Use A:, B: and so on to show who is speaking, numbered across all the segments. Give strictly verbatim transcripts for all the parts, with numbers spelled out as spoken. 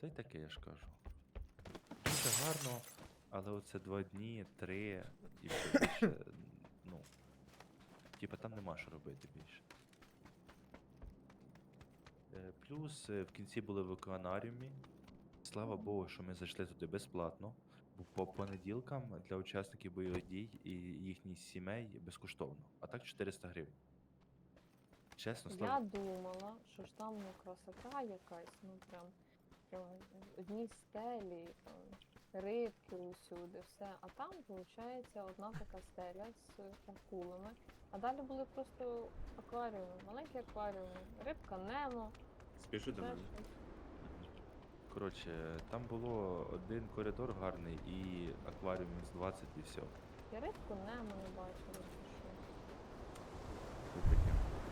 A: Та й таке я ж кажу. Дуже гарно, але оце два дні, три, і все більше, ну, типа там нема що робити більше. Е, Плюс е, в кінці були в океанаріумі. Слава Богу, що ми зайшли туди безплатно, бо по понеділкам для учасників бойових дій і їхніх сімей безкоштовно, а так чотириста гривень. Чесно, слава.
B: Я думала, що ж там ну, красота якась, ну прям, прям одні стелі, е, рибки усюди, все. А там, виходить, одна така стеля з акулами. А далі були просто акваріуми, маленькі акваріуми, рибка Немо,
C: Спіши до
B: ще
C: мене.
B: щось.
A: Коротше, там було один коридор гарний і акваріум з двадцять і все.
B: Я рибку Немо не бачила, чи що.
A: Це таке.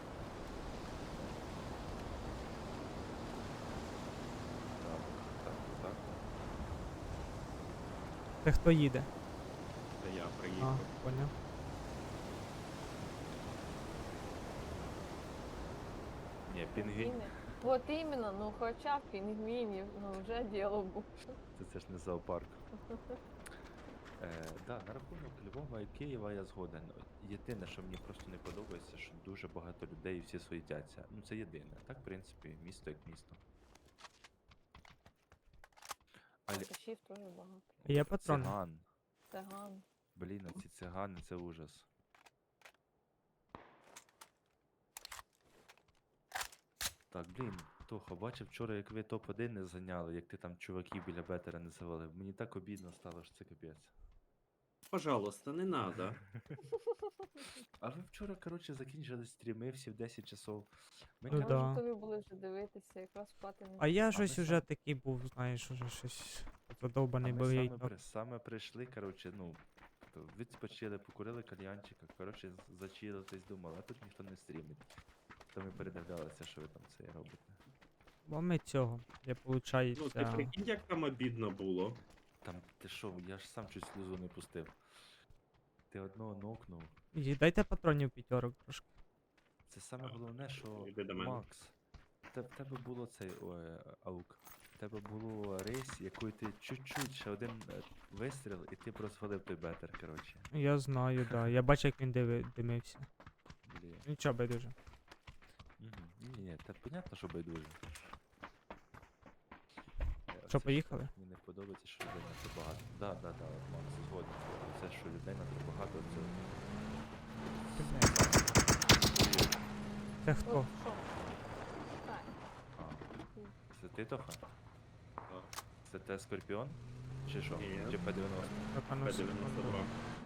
A: Так, так, так.
D: Це хто їде?
C: Це я
D: А,
C: приїхав.
D: поняв.
A: Ні, пінгвін.
B: Пінгвіни. От іменно, ну хоча б пінгвінів, ну вже діло було.
A: Це, це ж не зоопарк. Е, да, на рахунок Львова і Києва я згоден. Єдине, що мені просто не подобається, що дуже багато людей і всі суетяться. Ну це єдине. Так, в принципі, місто як місто. Але
B: Алкашів теж багато.
D: Є патрони?
A: циган.
B: Циган.
A: Блін, ці цигани це ужас. Так, блін, Тоха, бачив вчора, як ви топ один не зайняли, як ти там чуваків біля бетера не завалив. Мені так обідно стало, що це капець.
C: Пожалуйста, не надо.
A: А ви вчора, коротше, закінчили стріми всі в десять часов. Ми,
D: Ну
B: Ми
A: коротше,
D: да.
B: вже тобі були вже дивитися, якраз спати не
D: А я
A: ми
D: щось
A: сам-
D: уже такий був, знаєш, уже щось задовбаний
A: А
D: був
A: ми
D: я й
A: саме,
D: так.
A: при, саме прийшли, коротше, ну, то відпочили, покурили кальянчика, коротше, з- зачилитись, думали, а тут ніхто не стрімить. То ми передивлялися, що ви там це робите.
D: Бо ми цього, я
C: Ну, ти
D: получається.
C: прикинь, як там обідно було.
A: Там, ти що, я ж сам чуть сльозу не пустив. Ти одного нокнув.
D: І дайте патронів п'ятерок трошки.
A: Це саме головне, що
C: Іди до мене.
A: Макс, те- в тебе було цей ой, аук. В тебе було рейс, якої ти чуть-чуть ще один е, вистріл, і ти розвалив той бетер, коротше.
D: Я знаю, да. Я бачу, як він диви, димився.
A: Блін.
D: Нічого байдуже.
A: Мгм. Ні, ні, та понятно, що байдуже. Е,
D: Що,
A: оце
D: поїхали?
A: Мені не подобається, що людей надто багато. Да, да, да, от Макс, згоден. Це, що людей надто багато, це.
D: Це
B: От
D: хто?
B: що? Так.
A: А, це ти, Тоха?
C: Так.
A: Це те Скорпіон? Чи що?
C: Ні.
A: Чи П дев'яносто?
D: Так, а ну,
C: П дев'яносто
D: секунду.
C: два.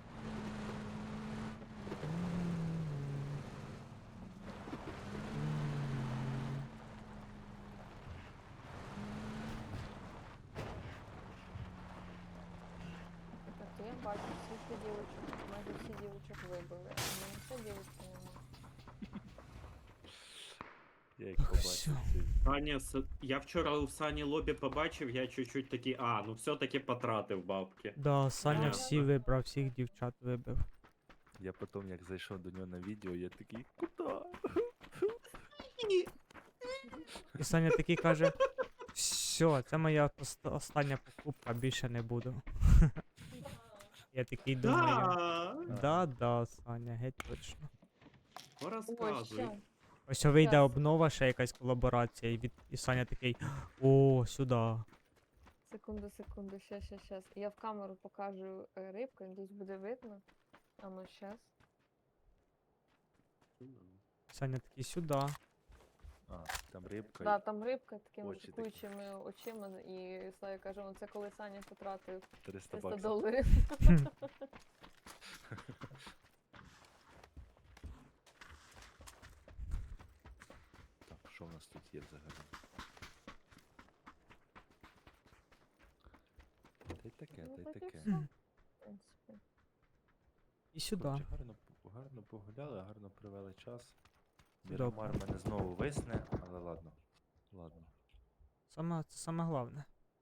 B: Так, то я бачу всіх дівчат, майже всі дівчат вибили, а в мене ще дівчатки немає.
A: Я їх
D: Так,
A: побачив.
D: всьо.
A: ці-
C: Саня, с- я вчора у Сані лобі побачив, я чуть-чуть такий, а, ну все-таки потратив бабки.
D: Да, Саня
B: Да.
D: всі вибрав, всіх дівчат вибив.
A: Я потім, як зайшов до нього на відео, я такий, куди?
D: І Саня такий каже: все, це моя ост- остання покупка, більше не буду. Я такий думаю.
C: Да,
D: Да, да, Саня, геть точно.
B: Ой,
C: розказуй.
B: ще.
D: Ось вийде
B: Щас.
D: обнова, ще якась колаборація, і, від... і Саня такий: о, сюди.
B: Секунду, секунду, ще, ще, ще. Я в камеру покажу е, рибку, надіюсь буде видно. А ну щас.
D: Саня такий сюди.
A: А, там рибка.
B: Да, там рибка такими
A: очі такі.
B: куючими очима, і Славі каже, ну це коли Саня потратив
A: триста
B: триста
A: баксів.
B: доларів.
A: Так, що в нас тут є взагалі? Та й таке,
B: Ну,
A: та й
B: так і
A: таке.
B: все, в принципі.
D: І сюди.
A: Коротше, гарно, п- гарно погуляли, гарно провели час.
D: Добре.
A: Мірамар мене знову висне, але ладно. Ладно.
D: Саме, це саме головне.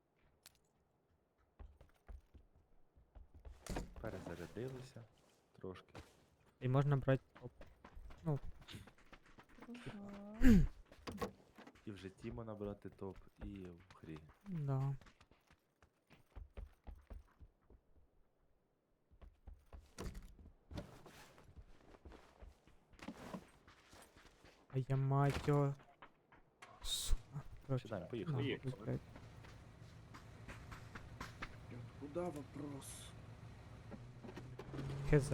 A: Перезарядилися трошки.
D: І можна брати топ.
B: Мгм.
A: І вже Тімо набрати топ, і в хрі.
D: Да. А я мать його. Сука. Короче,
A: Сідаємо, поїхали.
D: нахуй,
C: Поїхали.
D: блядь.
C: Куда вопрос?
D: Хз.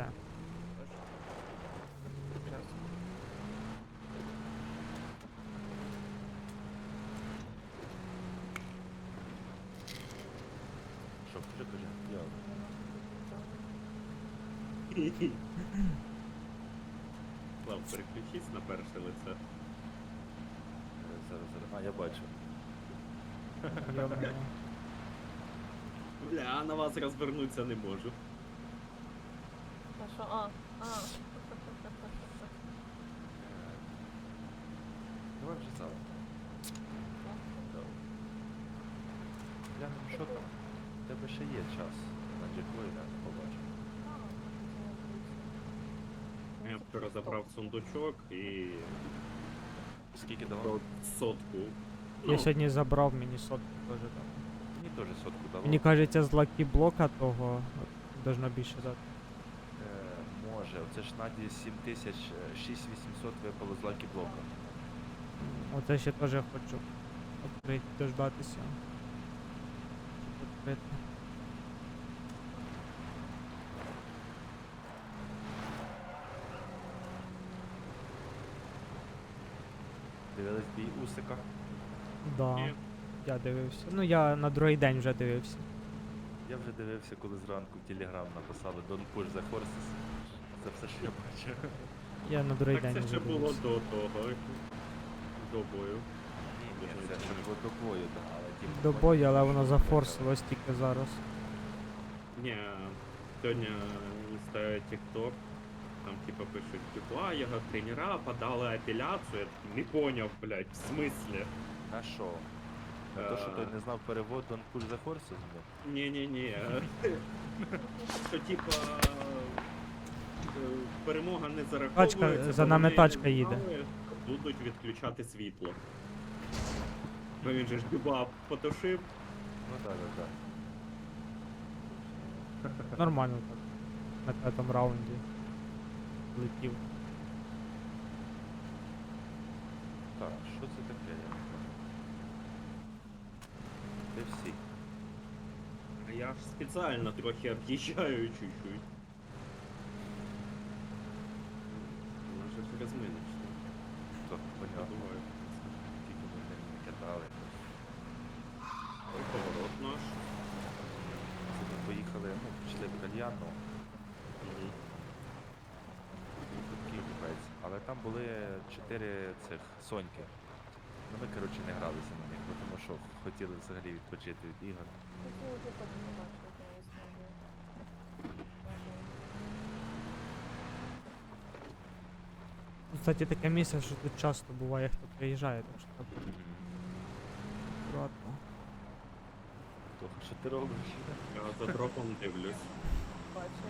A: Що, кажи, кажи. Я
C: Слав, переключись на перше лице.
A: е, зараз, зараз. А, я бачу.
D: Йо-моє.
C: Бля, на вас розвернутися не можу.
B: А що? А, а.
A: Е, Давай вже зараз. Глянемо, що там. У тебе ще є час. На джеквейна побачимо.
C: Я вчора забрав сундучок і
A: Скільки давав?
C: про сотку.
D: Я сьогодні забрав мені сотку теж дав.
A: Мені теж сотку давав.
D: Мені кажеться, з лакі блока того от, должно більше дати.
A: Е, може, оце ж Наді сім тисяч шість вісімсот випало з лакі блока.
D: Оце ще теж хочу відкрити, дождатися. Щоб відкрити.
A: Дивились бій Усика.
D: Да,
C: Ні.
D: я дивився. Ну я на другий день вже дивився.
A: Я вже дивився, коли зранку в Телеграм написали Don't push the horses. Це все, що я бачив.
D: Я на другий
C: Так
D: день
C: це
D: вже
C: ще було
D: дивився.
C: до того. До бою.
A: Ні, ні, це ще було до бою, так, але ті
D: До
A: бої
D: бою, але
A: що
D: воно
A: вони
D: зафорсилось тільки зараз.
C: Ні, сьогодні ставить TikTok, там типа пишуть, типа, його тренера подали апеляцію. Я такий, не поняв, блядь, в смислі?
A: На що? На те, що той не знав перевод Don't push the horses? блін?
C: Ні-ні-ні. Що типа е, перемога не зараховується.
D: Тачка, за
C: бо
D: нами
C: вони
D: тачка
C: не
D: їде.
C: знали, Будуть відключати світло. Бо він же ж дуба потушив.
A: Ну так, так, так.
D: Нормально так. На п'ятому раунді. Летів.
A: Так, що це таке? Я не знаю. Де всі?
C: А я ж спеціально трохи об'їжджаю чуть-чуть. Вона ж розминочна.
A: То, понятно.
C: Подумаю.
A: Тільки ми не кидали.
C: Ой, поворот наш.
A: Це ми поїхали, ну, пішли в кальянну.
C: Мгм.
A: Такий купець. Але там були чотири цих соньки. Ну ми, коротше, не гралися на них, бо тому що хотіли взагалі відпочити від ігор.
B: Хотіла би так побачити, я скажу.
D: Кстати, таке місце, що тут часто буває, хто приїжджає, так що так акуратно.
A: Тоха, що ти робиш?
C: Я за дропом дивлюсь.
B: Бачу.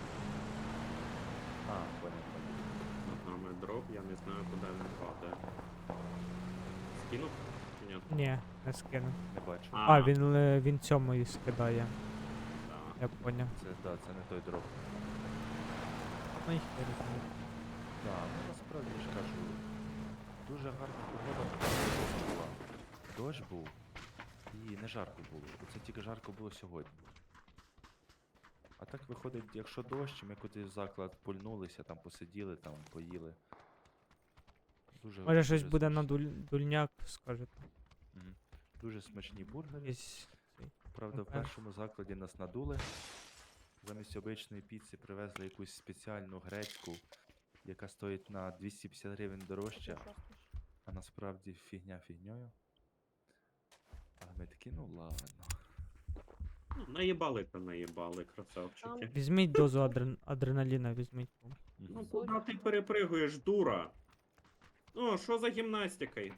A: А, понял, понял.
C: Над нами дроп, я не знаю, куди він падає. Скинув? Ні.
D: Ні, не скину.
A: Не бачу.
C: А.
D: А, він, е, він цьому і скидає,
C: Да.
D: я поняв.
A: Це, да, це не той дроп.
D: Ну їх не розумію.
A: Да, ну насправді я ж кажу, дуже гарна погода була. Дощ був і не жарко було. Оце тільки жарко було сьогодні. А так виходить, якщо дощ, ми кудись в заклад пульнулися, там посиділи, там поїли. Дуже,
D: Може щось
A: дуже
D: буде на
A: смачні.
D: дуль... дульняк, скажете.
A: Мгм. Дуже смачні бургери.
D: Якийсь цей.
A: Правда, в
D: Окей.
A: першому закладі нас надули. Замість обичної піци привезли якусь спеціальну грецьку, яка стоїть на двісті п'ятдесят гривень дорожче,
B: Що ж ти?
A: а насправді фігня фігньою. А ми такі, ну ладно.
C: Ну, наїбали та наїбали, красавчики.
D: Візьміть дозу адрен... адреналіна, візьміть.
C: Ну
A: Мгм.
C: куди ти перепригуєш, дура? О, що за гімнастикою?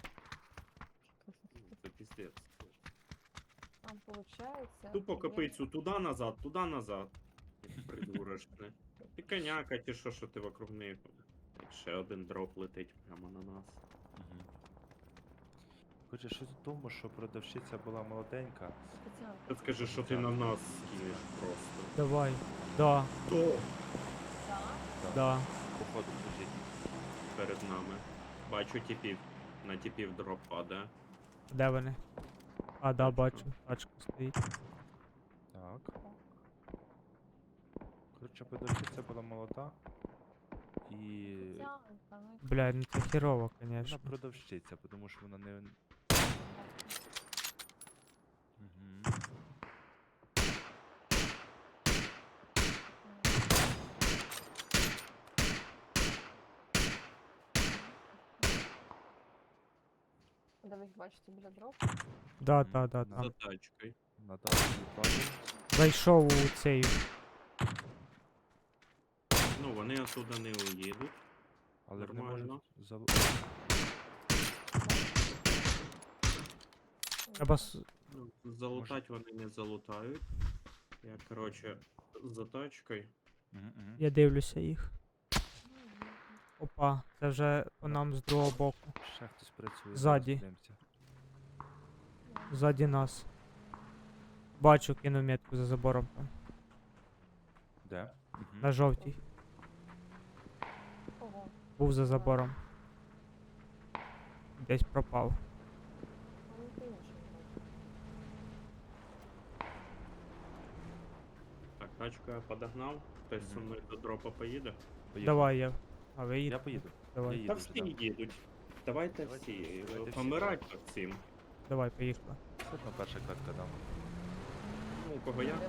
C: Це піздець.
B: Там получається.
C: Тупо
B: є-
C: копицю туди назад, туди назад. Придурочне. Ти коняка, ті що, що ти вокруг неї. Ще один дроп летить прямо на нас.
A: Мгм. Хочеш щось в тому, що продавщиця була молоденька.
B: Спеціально.
C: Ти скажи, що ти на нас скинеш просто.
D: Давай. Да,
C: Хто?
B: Так.
D: да.
A: Походу лежить.
C: Перед нами. Бачу типів. На типів дроп падає.
D: Де вони? А, да,
C: Тачка.
D: бачу. Тачка стоїть.
A: Так. Коротше, продавщиця була молода. І
B: Спеціально, ну,
D: Бля, ну це херово,
A: вона
D: конечно.
A: продавщиця, тому що вона не. Угу.
B: Де ви їх бачите біля дроп?
D: Да,
A: Мгм.
D: да, да,
A: За
C: За
D: там.
C: тачкою.
A: Надав її базу.
D: Зайшов у цей.
C: Ну, вони оттуда не уїдуть.
A: Але вони
C: Нормально.
A: можуть залу...
D: Треба с-
C: Ну, залутать вони не залутають. Я, короче, за тачкою.
A: Угу, угу.
D: Я дивлюся їх. Опа, це вже по нам з другого боку.
A: Ще хтось працює.
D: Ззаді.
A: зараз подивимося.
D: Ззаді нас. Бачу, кину метку за забором там.
A: Де? Угу.
D: На жовтій.
B: Ого.
D: Був за забором. Десь пропав.
B: Ну, ти інший бачиш.
C: Так, тачку я подогнав. Хтось зі
A: Мгм.
C: мною до дропа поїде.
A: Поїхали.
D: Давай я. А ви
A: Я
D: їдете?
A: поїду.
D: Давай.
A: Я
C: Та
A: їду вже,
C: всі
A: да.
C: їдуть. Давайте
A: Давайте-
C: всі.
A: давайте всі.
C: Помирать по всім.
D: Давай, поїхали.
A: Все одно перша катка дам.
C: Ну, у кого я?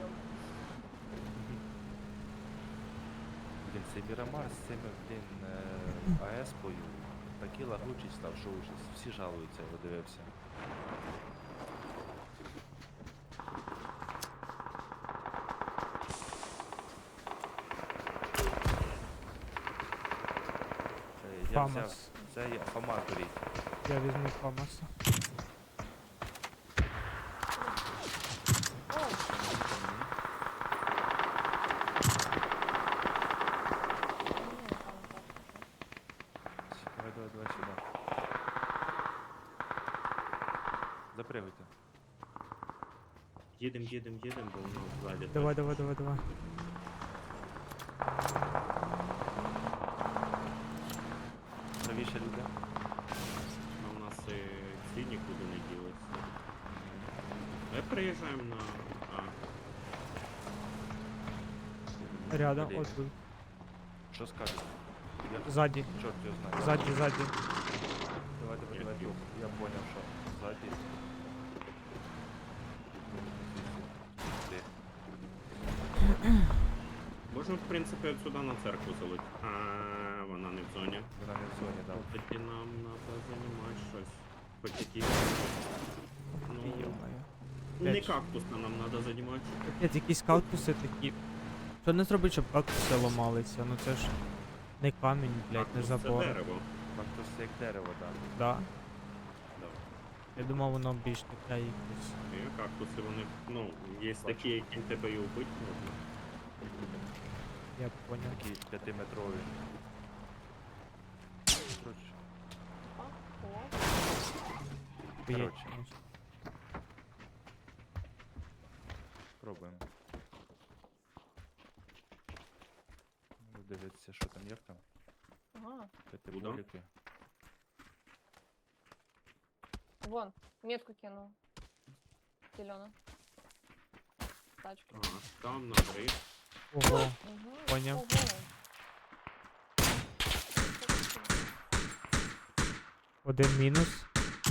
A: Блін, цей Мірамар з цими, блін, е, АЕС-пою такий лагучий став, що ужас. Всі жалуються, я дивився. Е, Я взяв,
D: Фамас.
A: це я Фома беріть.
D: Я візьму Фамаса.
B: О, ні, там так.
A: Давай, давай, давай сюди. Запрягуйте.
C: Їдем, їдем, їдем, бо у нас ззаді.
D: Давай,
C: тачка.
D: давай, давай, давай.
A: Правіше люди.
C: А у нас і ці нікуди не ділися. Ми приїжджаємо на... А,
D: Рядом,
A: Блін,
D: от тут.
A: Що скажете? Я...
D: Ззаді.
A: Чорт його знає.
D: Ззаді, ззаді.
A: Давай, давай,
C: Ні,
A: давай.
C: ні.
A: Я понял, що ззаді. Ти.
C: можемо, в принципі, от сюди на церкву залити. А, вона не в зоні.
A: Вона не в зоні дав.
C: Тоді нам треба займати щось. Хоч якісь... Ну,
D: Йо-моє.
C: не
D: Блядь.
C: кактусно нам треба займати.
D: Капець, якісь кактуси такі. Що не зробить, щоб кактуси ламалися? Ну це ж не камінь, блядь, не
C: Кактус це
D: забор.
C: дерево.
A: Кактус як дерево, так.
D: Да.
C: Да.
D: Я думав, воно більш таке якесь.
C: І кактуси, вони, ну, є
A: Бачу.
C: такі, які тебе і убити можна.
D: Я поняв.
A: Такі п'ятиметрові. Коротше,
B: А, о.
D: Хуєть,
A: коротше.
D: конечно.
A: пробуємо. Ну, дивіться, що там є там.
B: Ага.
A: П'ятиболіки.
B: Вон, метку кинул. Зелено. Тачка.
C: Ага, там на три.
D: Ого.
B: Угу.
D: Поняв.
B: Ого.
D: Один мінус.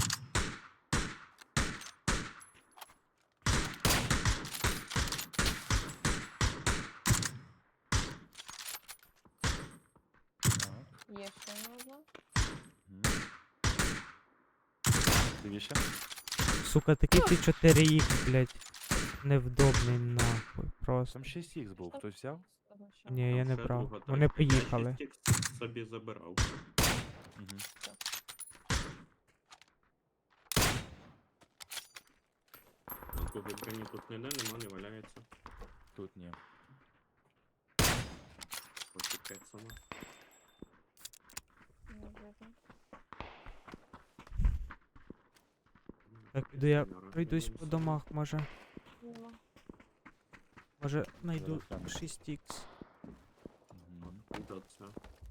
A: Так.
B: Є ще одна.
A: Мгм. Дивіше.
D: Сука, такий ти чотири ікс, блядь. Невдобний нахуй. Просто.
A: Там шість ікс був, хтось взяв?
B: Одна ще.
D: Ні, я
C: Там
D: не
C: ще
D: брав.
C: друга
D: Вони
C: тачка. Я
D: поїхали.
C: шість ікс собі забирав.
A: Угу.
C: Нікого броні тут ніде нема, не валяється.
A: Тут ні.
C: Почекай сама.
B: Не видно.
D: Так, піду я
C: Нормально,
D: пройдусь по
C: все.
D: домах, може.
B: Нема.
D: Може знайду
A: Зараз гляну.
D: шість ікс.
A: Мгм.
C: Откуда це?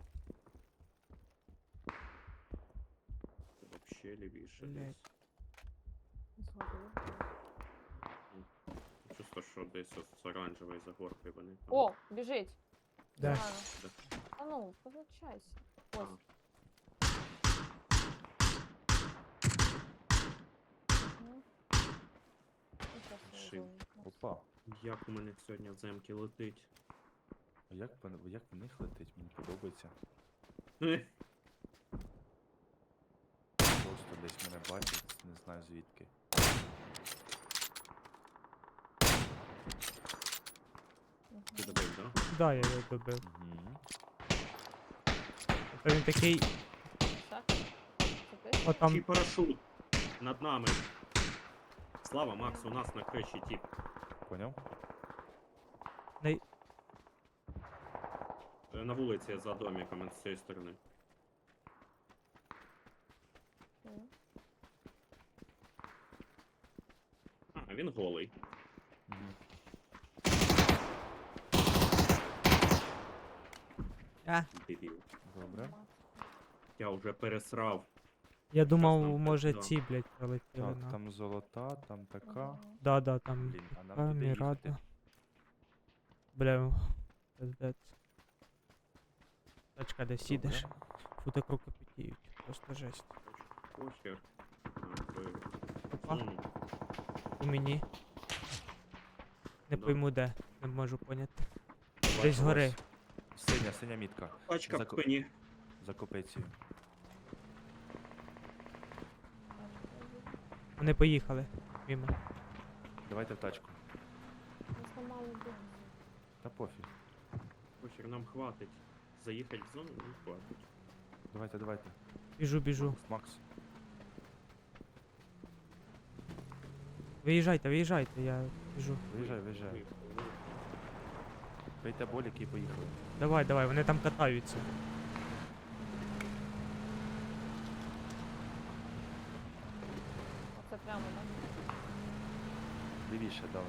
C: Це вообще лівіше
D: Блядь.
C: десь.
B: Згорів.
C: Чисто, що десь от з оранжевої загорки вони там.
B: О, біжить.
D: Де?
B: Зелена.
C: Де?
B: А ну, позначайся.
C: А,
B: Ось. Мгм. Ну, щас я
C: Шив.
B: зону якраз.
A: Опа.
C: Як у мене сьогодні в земки летить?
A: А як, пон- як в них летить? Мені подобається.
C: Ех,
A: Просто десь мене бачать, не знаю звідки.
B: Мгм.
C: Ти добив, да?
D: Да, я його добив.
A: Угу.
D: Та він такий,
B: Ще? Це ти?
D: о
C: Чий
D: там,
C: парашут над нами. Слава, Макс, у нас на криші тіп.
A: Поняв?
C: Е, На вулиці за домиком з цієї сторони.
B: Мгм.
C: А, він голий.
A: Угу.
D: а,
C: Дебіл.
A: Добре.
C: Я вже пересрав.
D: я думав,
C: нам
D: може
C: так, да.
D: ці, блядь, прилетіли
A: Так,
D: на.
A: там золота, там така.
B: Мгм.
D: Да, да, там
A: Блін, а нам
D: така
A: туди їхати.
D: мірада. Бля, пиздець. Тачка, де сідеш,
A: Добре.
D: фу так руки потіють, просто жесть.
C: Похер. А, ви-
D: Опа,
C: Зону.
D: у мені. Не
C: Да.
D: пойму де, не можу поняти.
A: Бачу,
D: Десь згори.
A: ось Синя, синя мітка.
C: Тачка в
A: Зако-
C: спині.
A: За копицею.
D: Вони поїхали. Мімо.
A: Давайте в тачку.
B: Ми зламали бензин.
A: Та пофіг.
C: Похер, нам хватить. Заїхати в зону не хватить.
A: Давайте, давайте.
D: Біжу, біжу.
A: Макс.
D: Виїжджайте, виїжджайте, я біжу.
A: Виїжджай, виїжджай.
C: Виїхали.
A: Пийте боліки і поїхали.
D: Давай, давай, вони там катаються.
B: Оце прямо, так?
A: Лівіше, давно.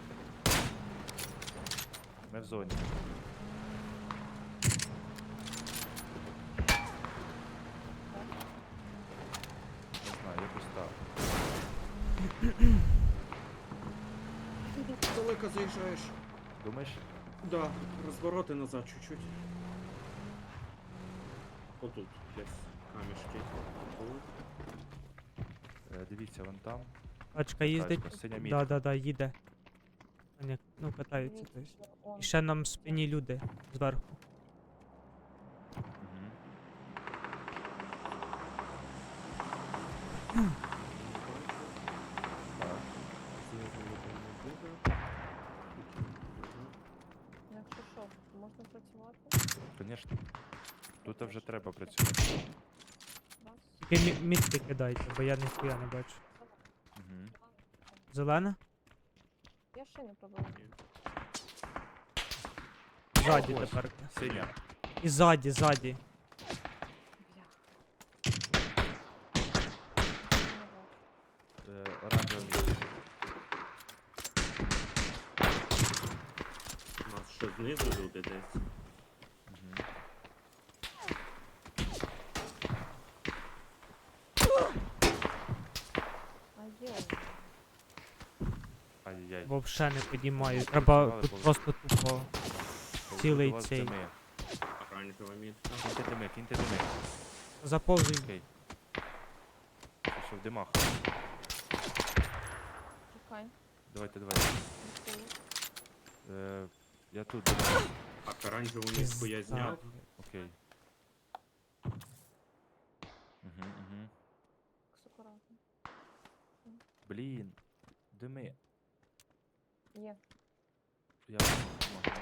A: Ми в зоні. Не знаю, якось так.
C: Далеко заїжджаєш.
A: Думаєш?
C: Да, розвороти назад чуть-чуть. Отут десь камішки. Тут.
A: Е, Дивіться, вон там.
D: Тачка їздить.
A: Тачка, синя
D: Да,
A: мітка.
D: да, да, їде. Вони, ну, катаються.
B: Дивіться,
D: Тобто.
B: що он.
D: І ще нам в спині люди зверху.
A: Мгм. Так.
B: Якщо що, можна працювати?
A: Звісно. Тут вже треба працювати.
B: Раз.
D: Тільки мі- мітки кидайте, бо я ніхуя не бачу.
A: Угу.
D: Зелена?
B: Я ще не пробувала.
D: Ззаді
A: Ось.
D: тепер.
A: Синя.
D: І ззаді, ззаді.
B: Бля.
A: Е, Оранжева мітка.
C: У нас ще знизу люди десь.
A: Угу.
B: А є.
A: Ай-яй.
D: Вовше не підіймаю. Треба
A: Працювали,
D: тут
A: бо-
D: просто тупо. цілий
A: Повбивали
D: цей.
A: дими.
C: Оранжева мітка.
A: Кіньте дими, кіньте дими.
D: Заповзуй.
A: Окей. Що в димах?
B: Чекай.
A: Давайте, давайте.
B: Відкрию.
A: Е, я тут димах.
C: Так, оранжеву мітку я
D: Пізда.
C: зняв.
A: Окей. Угу, угу.
B: Такс акуратно.
A: Блін. Дими.
B: Є.
A: Я...
B: Ага.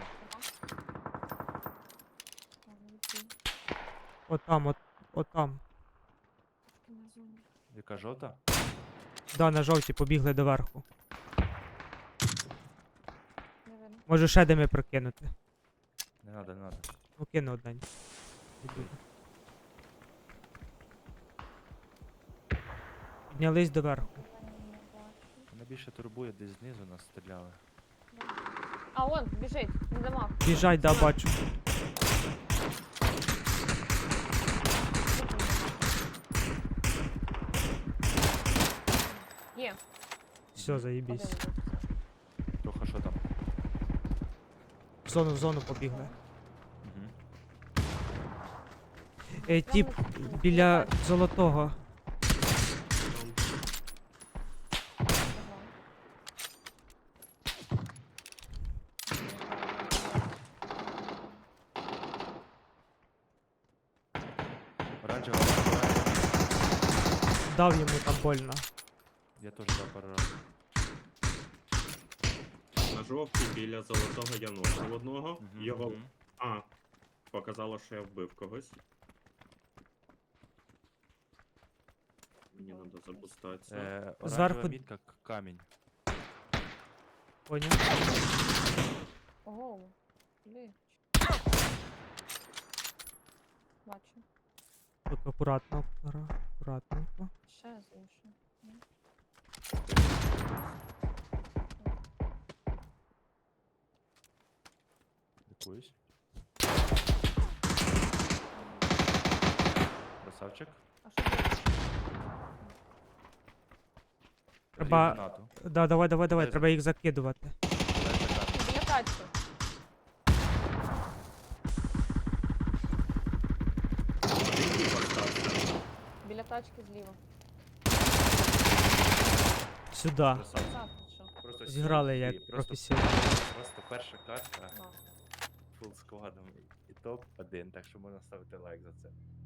B: Ладно, відкрию.
D: Отам, от, отам.
B: Трошки на зоні.
A: Яка жовта?
D: Да, на жовті побігли доверху.
B: Не видно.
D: Можу ще дими прокинути.
A: Не надо, не надо.
D: Ну кину однень. Піднялись доверху.
B: Ні,
A: Мене більше турбує, десь знизу нас стріляли.
B: А, он, біжить, на домах.
D: Біжать, да, бачу.
B: Є.
D: Все, заїбісь.
B: Один був.
A: Трохи що там?
D: В зону, в зону побігли.
A: Угу.
D: Е, тіп
B: Прямо
D: біля
B: на-
D: золотого.
C: Там
B: Ага.
A: Оранжева вибирає.
D: Дав йому там больно.
A: Я теж дав пару разів.
C: на жовтій біля золотого я нокнув одного.
A: Мгм,
C: Його.
A: мгм.
C: А, показало, що я вбив когось. Мені треба забустатися.
A: Е, оранжева
D: Зверху-
A: мітка к- камінь.
D: Поняв?
B: Ого. Блін. Бачу.
D: Так, акуратно, акура- акуратненько.
B: Ще з іншого.
A: Лікуюсь. Красавчик.
B: А що це?
D: Треба-
A: Роз'їв гранату.
D: Да, давай, давай, давай,
A: Дай
D: треба їх закидувати.
A: Дай за камінь.
B: Біля тачки.
C: Один тіп остався.
B: Біля тачки зліва.
D: Сюди.
A: Красавчик.
B: Так, ти що?
A: Просто
D: Зіграли
A: сів і
D: як
A: просто-
D: професіонали.
A: Просто перша карта
B: А.
A: фул складом і топ один, так що можна ставити лайк за це.